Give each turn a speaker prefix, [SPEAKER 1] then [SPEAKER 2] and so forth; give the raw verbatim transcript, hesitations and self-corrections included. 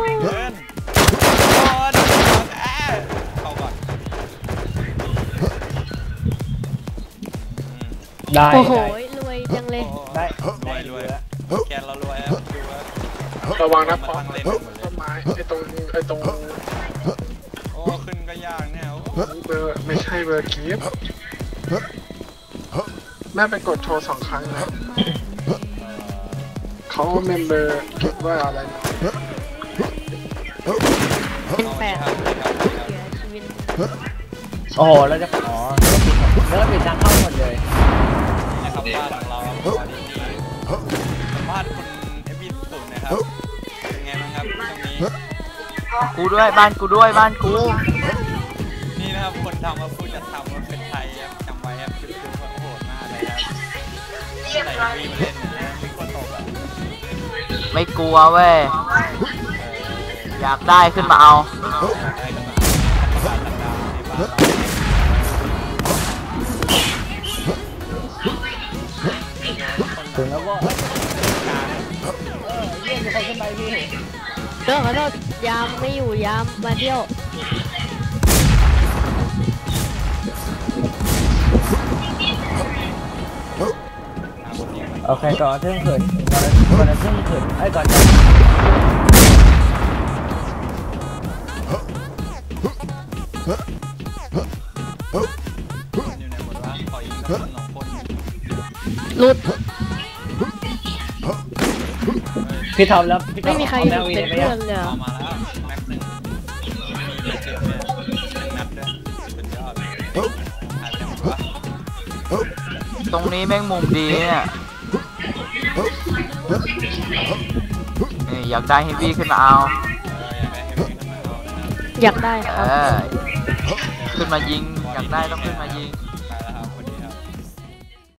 [SPEAKER 1] เดินก่อนแอะเข้าก่อน
[SPEAKER 2] ได้
[SPEAKER 3] โอ้โหรวยจังเลย
[SPEAKER 2] ได้
[SPEAKER 1] รวยรวยแกนเรารวยครับดูว่า
[SPEAKER 4] ระวังนะพอ
[SPEAKER 1] เล่น
[SPEAKER 4] ต้นไม้ไอ้ตรงไอ้ตรง
[SPEAKER 1] โอ้ขึ้นก็ยากเนี่ย
[SPEAKER 4] เบอร์ไม่ใช่เบอร์กีฟแม่ไปกดโทรสองครั้งแล้วเขาเมมเบอร์คิดว่าอะไรนะ
[SPEAKER 3] เป็นแปดเสียชีวิต
[SPEAKER 2] โอ้โหเราจะอ๋อแล้วก็ปิดทางเข้าหมดเลย
[SPEAKER 1] นะครับบ้านของเราครับสวัสดีบ้านคุณเอฟบีสุดนะครับเป็นไงบ้างครับตรงนี้
[SPEAKER 5] กูด้วยบ้านกูด้วยบ้านกู
[SPEAKER 1] นี่นะครับคนทำมาพูดจะทำว่าเป็นไทยครับจำไว้ครับคลิปดูว่าโหดมากเลยครับใส่วีมาเล่นนะมีคนตกอ่ะ
[SPEAKER 5] ไม่กลัวเว้ยอยากได้ขึ้นมาเอา
[SPEAKER 2] ถึงแล้วก็เออเยี่ยมคนขึ้นไปพี่
[SPEAKER 3] เรื่องขอโทษยามไม่อยู่ยามมาเที่ยว
[SPEAKER 2] โอเคก่อนเที่ยงคืนก่อนเที่ยงคืนไอ้ก่อน
[SPEAKER 3] หลุด
[SPEAKER 2] พี่ทอมแล้ว
[SPEAKER 3] ไม่มีใครเป็นเพื่อนเลย
[SPEAKER 1] มาแล้วแม็กซ์หนึ่งมีเจ็บเนี่ยหนึ่งนัดด้วยเป็นยอดหายไปหมดวะ
[SPEAKER 5] ตรงนี้แม่งมุมดีเนี่ยนี่อยากได้ให้พี่ขึ้นมาเอา
[SPEAKER 3] อยากได้ค
[SPEAKER 5] รั
[SPEAKER 3] บ
[SPEAKER 5] ขึ้นมายิงอยากได้ต้องขึ้นมายิง